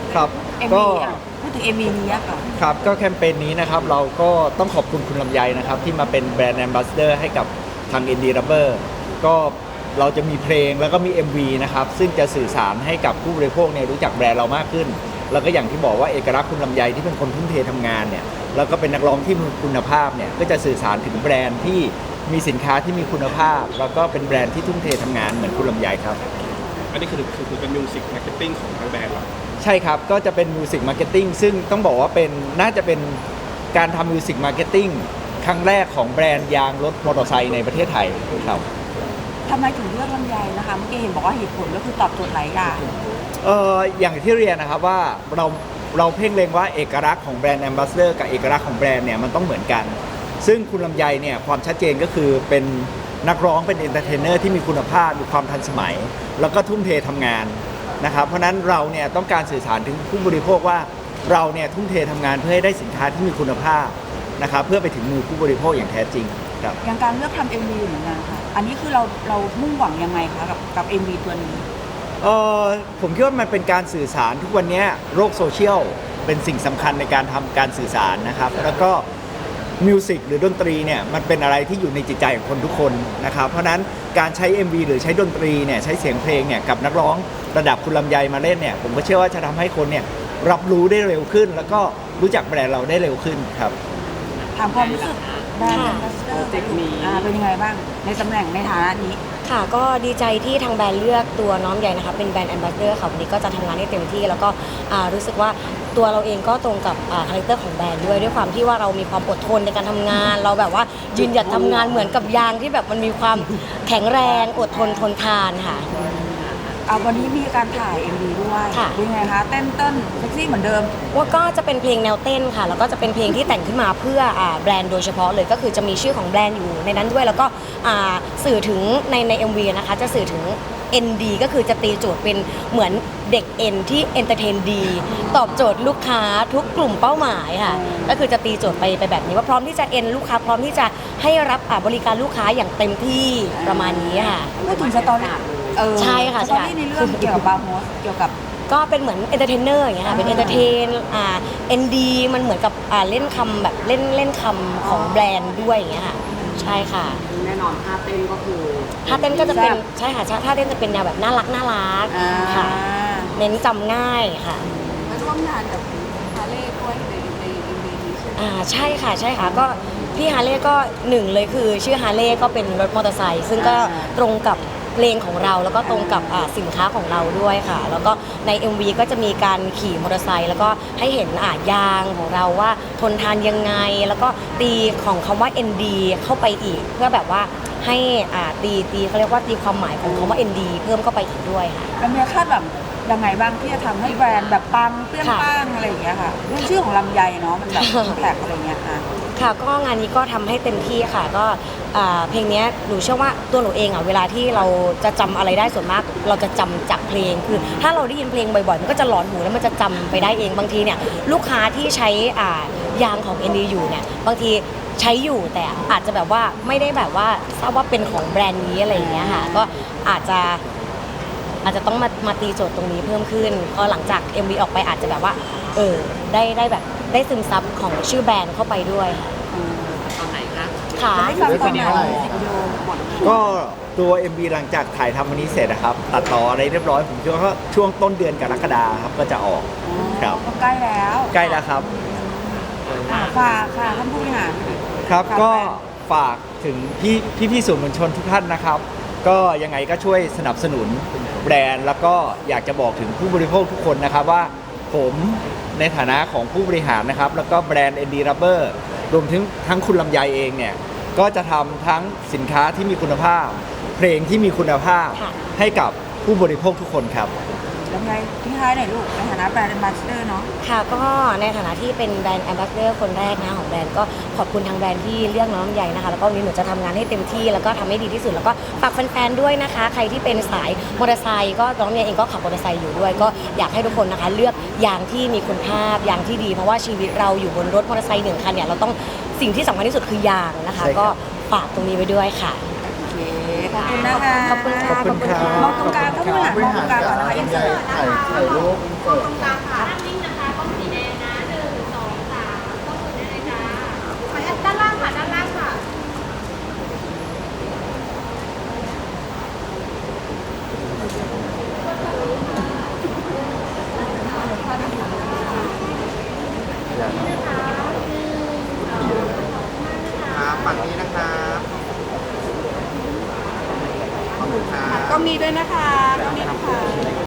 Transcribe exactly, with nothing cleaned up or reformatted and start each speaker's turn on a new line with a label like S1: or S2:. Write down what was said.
S1: ครับ
S2: เอ็ม
S1: ก็
S2: วีอ่ะพูดถึง เอ็ม วี นี้อะค่ะ
S1: ครับก็แคมเปญนี้นะครับเราก็ต้องขอบคุณคุณลำไยนะครับที่มาเป็นแบรนด์แอมบาสเดอร์ให้กับทาง Indie Rubber ก็เราจะมีเพลงแล้วก็มี เอ็ม วี นะครับซึ่งจะสื่อสารให้กับผู้บริโภคเนี่ยรู้จักแบรนด์เรามากขึ้น แล้วก็อย่างที่บอกว่าเอกลักษณ์คุณลำไยที่เป็นคนทุ่มเททำงานเนี่ยแล้วก็เป็นนักร้องที่มีคุณภาพเนี่ยก็จะสื่อสารถึงแบรนด์ที่มีสินค้าที่มีคุณภาพ แล้วก็เป็นแบรนด์ที่ทุ่มเททำงานเหมือนคุณลำไยครับ
S3: อันนี้คือคือคือเป็นมิวสิกมาร์เก็ตติ้งของทางแบรนด์เรา
S1: ใช่ครับ ก็จะเป็นมิวสิกมาร์เก็ตติ้งซึ่งต้องบอกว่าเป็นน่าจะเป็นการทำมิวสิกมาร์เก็ตติ้งครั้งแรกของแบรนด์ยางรถมอเตอร์ไซค์ในประเทศไทยครับ
S2: ทำไมถึงเลือกลำไยนะคะเมื่อกี้เห็นบอกว่าเหตุผลก็คือตอบโจทย์หลายอย่าง
S1: เอออย่างที่เรียนนะครับว่าเราเราเพ่งเล็งว่าเอกลักษณ์ของแบรนด์แอมบาสเดอร์กับเอกลักษณ์ของแบรนด์เนี่ยมันต้องเหมือนกัน ซึ่งคุณลำไยเนี่ยความชัดเจนก็คือเป็นนักร้องเป็นเอนเตอร์เทนเนอร์ที่มีคุณภาพมีความทันสมัย แล้วก็ทุ่มเททำงานนะครับเพราะฉะนั้นเราเนี่ยต้องการสื่อสารถึงผู้บริโภคว่าเราเนี่ยทุ่มเททำงานเพื่อให้ได้สินค้าที่มีคุณภาพนะครับเพื่อไปถึงมือผู้บริโภคอย่างแท้จริงครับ
S2: อย่างการเลือกทำ เอ็ม วี เหมือนกันค่ะอันนี้คือเราเรามุ่งหวังยังไงคะกับกับ เอ็ม วี ตัวนี้
S1: เออผมคิดว่ามันเป็นการสื่อสารทุกวันนี้โลกโซเชียลเป็นสิ่งสำคัญในการทำการสื่อสารนะครับแล้วก็มิวสิกหรือดนตรีเนี่ยมันเป็นอะไรที่อยู่ในจิตใจของคนทุกคนนะครับเพราะฉะนั้นการใช้ เอ็ม วี หรือใช้ดนตรีเนี่ยใช้เสียงเพลงเนี่ยกับนักร้องระดับคุณลำไยมาเล่นเนี่ยผมก็เชื่อว่าจะทำให้คนเนี่ยรับรู้ได้เร็วขึ้น แล้วก็รู้จักแบรนด์เราได้เร็วขึ้นครับ
S2: ถามความรู้สึกแบรนด์แอมบาสเดอร์เป็นยังไงบ้างในตำแหน่งในฐานะนี้
S4: ค่ะก็ดีใจที่ทางแบรนด์เลือกตัวน้องใหญ่นะคะเป็นแบรนด์แอมบาสเดอร์ค่ะวันนี้ก็จะทำงานให้เต็มที่ แล้วก็อ่ารู้สึกว่าตัวเราเองก็ตรงกับอ่าคาแรคเตอร์ของแบรนด์ด้วยด้วยความที่ว่าเรามีความอดทนในการทำงาน เราแบบว่ายืนหยัดทำงานเหมือนกับยางที่แบบมันมีความแข็งแรงอดทนทนทานค่ะ
S2: เอาวันนี้มีการถ่าย เอ็ม วี ด้วย
S4: ค่ะ
S2: เป็นไงคะเต้นเต้นเซ็กซี่เหมือนเดิม
S4: ว่าก็จะเป็นเพลงแนวเต้นค่ะแล้วก็จะเป็นเพลงที่แต่งขึ้นมาเพื่ออ่าแบรนด์โดยเฉพาะเลยก็คือจะมีชื่อของแบรนด์อยู่ในนั้นด้วย แล้วก็อ่าสื่อถึงในใน เอ็ม วี นะคะจะสื่อถึง เอ็น ดี ก็คือจะตีโจทย์เป็นเหมือนเด็กเอ็นที่เอนเตอร์เทนดีตอบโจทย์ลูกค้าทุกกลุ่มเป้าหมายค่ะก็คือจะตีโจทย์ไปไปแบบนี้ว่าพร้อมที่จะเอ็นลูกค้าพร้อมที่จะให้รับอ่าบริการลูกค้าอย่างเต็มที่ประมาณนี้ค่ะ
S2: พูดถึงสตอรี่เออ
S4: ใช่ค่ะ
S2: ส
S4: ใช่
S2: ตอรี่ในเรื่องเกี่ยวกับบาร์โฮสเกี่ยวกับ
S4: ก็เป็นเหมือนเอนเตอร์เทนเนอร์อย่างเงี้ยค่ะ เป็นเอนเตอร์เทน อ่า เอ็น ดี มันเหมือนกับอ่าเล่นคำแบบเล่นเล่นคำของแบรนด์ด้วยอย่างเงี้ยค่ะ ใช่ค่ะ
S5: แน่นอนท่าเต้นก็คือ
S4: ท่าเต้นก็จะเป็น
S2: แซ่บ
S4: ใช่ค่ะท่าเต้นจะเป็นแนวแบบน่ารักน่ารัก
S2: อ่า
S4: ค่ะ เน้นจำง่ายค่ะ
S5: มาร่วมงานกับฮาเล่ด้วยในในในนี้ใช่ไหม
S4: อ่า ใช่ค่ะ ใช่ค่ะ ก็พี่ฮาเล่ก็หนึ่งเลยคือชื่อฮาเล่ก็เป็นรถมอเตอร์ไซค์ซึ่งก็ตรงกับเพลงของเราแล้วก็ตรงกับอ่าสินค้าของเราด้วยค่ะ แล้วก็ใน เอ็ม วี ก็จะมีการขี่มอเตอร์ไซค์แล้วก็ให้เห็นอ่ายางของเราว่าทนทานยังไง แล้วก็ตีของคำว่า เอ็น ดี เข้าไปอีก เพื่อแบบว่าให้อ่าตีตีเขาเรียกว่าตีความหมายของคำว่า เอ็น ดี เพิ่มเข้าไปอีกด้วยค่ะ
S2: แล้วมีคาดแบบยังไงบ้างที่จะทำให้แบรนด์แบบปังเปรี้ยง
S4: ค่ะ
S2: ป้างอะไรอย่างเงี้ยค่ะเรื่องชื่อของลำไยเนาะมันแบบแท็กอะไรเงี้ยค่ะ
S4: ค่ะก็งานนี้ก็ทำให้เต็มที่ค่ะก็อ่าเพลงเนี้ยหนูเชื่อว่าตัวหนูเองอ่ะเวลาที่เราจะจำอะไรได้ส่วนมาก เราจะจำจากเพลงคือถ้าเราได้ยินเพลงบ่อยๆมันก็จะหลอนหูแล้วมันจะจำไปได้เองบางทีเนี่ยลูกค้าที่ใช้อ่ายางของ เอ็น ดี อยู่เนี่ยบางทีใช้อยู่แต่อาจจะแบบว่าไม่ได้แบบว่าทราบว่าเป็นของแบรนด์นี้อะไรอย่างเงี้ยค่ะก็อาจจะอาจจะต้องมามาตีโจทย์ตรงนี้เพิ่มขึ้นพอหลังจาก เอ็ม วี ออกไปอาจจะแบบว่าเออได้ได้แบบได้ซึมซับของชื่อแบรนด์เข้าไปด้วยค่ะ
S5: ตอนไหนคะ
S4: ค่ะ
S2: จะได้ฟังตอนไหนวิดีโอหมด
S1: ก็ตัว เอ็ม วี หลังจากถ่ายทำวันนี้เสร็จนะครับตัดต่ออะไรเรียบร้อยผมคิดว่าช่วงต้นเดือนกรกฎาคมครับก็จะออกครับ
S2: ก็ใกล้แล้ว
S1: ใกล้แล้วครับ
S2: อ่าฝากค่ะท่านผู้บริหาร
S1: ครับ
S2: ฝาก
S1: ก็
S2: แบรนด์
S1: ฝากถึงพี่พี่พี่ๆสื่อมวลชนทุกท่านนะครับ ก็ยังไงก็ช่วยสนับสนุนแบรนด์ แล้วก็อยากจะบอกถึงผู้บริโภคทุกคนนะครับว่าผมในฐานะของผู้บริหารนะครับ แล้วก็แบรนด์ Indie Rubber รวมถึงทั้งคุณลำไยเองเนี่ยก็จะทำทั้งสินค้าที่มีคุณภาพ เพลงที่มีคุณภาพ
S4: ค่ะ
S1: ให้กับผู้บริโภคทุกคนครับ
S2: ลำไยทิ้งท้ายหน่อยลูกในฐานะแบรนด์แอมบาสเดอร์เนาะ
S4: ค่ะก็ในฐานะที่เป็นแบรนด์แอมบาสเดอร์คนแรกนะของแบรนด์ก็ขอบคุณทางแบรนด์ที่เลือกน้องลำไยนะคะแล้วก็วันนี้หนูจะทำงานให้เต็มที่แล้วก็ทำให้ดีที่สุดแล้วก็ฝากแฟนๆด้วยนะคะ ใครที่เป็นสายมอเตอร์ไซค์ก็น้องลำไยเองก็ขับมอเตอร์ไซค์อยู่ด้วย ก็อยากให้ทุกคนนะคะเลือกยางที่มีคุณภาพยางที่ดีเพราะว่าชีวิตเราอยู่บนรถมอเตอร์ไซค์หนึ่งคันเนี่ยเราต้องสิ่งที่สำคัญที่สุดคือยางนะคะ
S1: ใช่ครับ
S4: ก็ฝากตรงนี้ไว้ด้วยค่ะ
S2: โอเคขอบคุณนะคะ
S4: ขอบคุณค่ะ
S1: ขอบคุณครับ
S2: มองตรงกลางท่านผู้บริหารมองตรงกลางก่อนนะคะอินเสิร์ต
S6: ถ่ายถ่ายรูปเปิด
S2: ค่ะ
S6: ฝั่งนี้นะครับขอบคุณครับ
S5: กล้องนี้ด้วยนะคะกล้องนี้นะคะ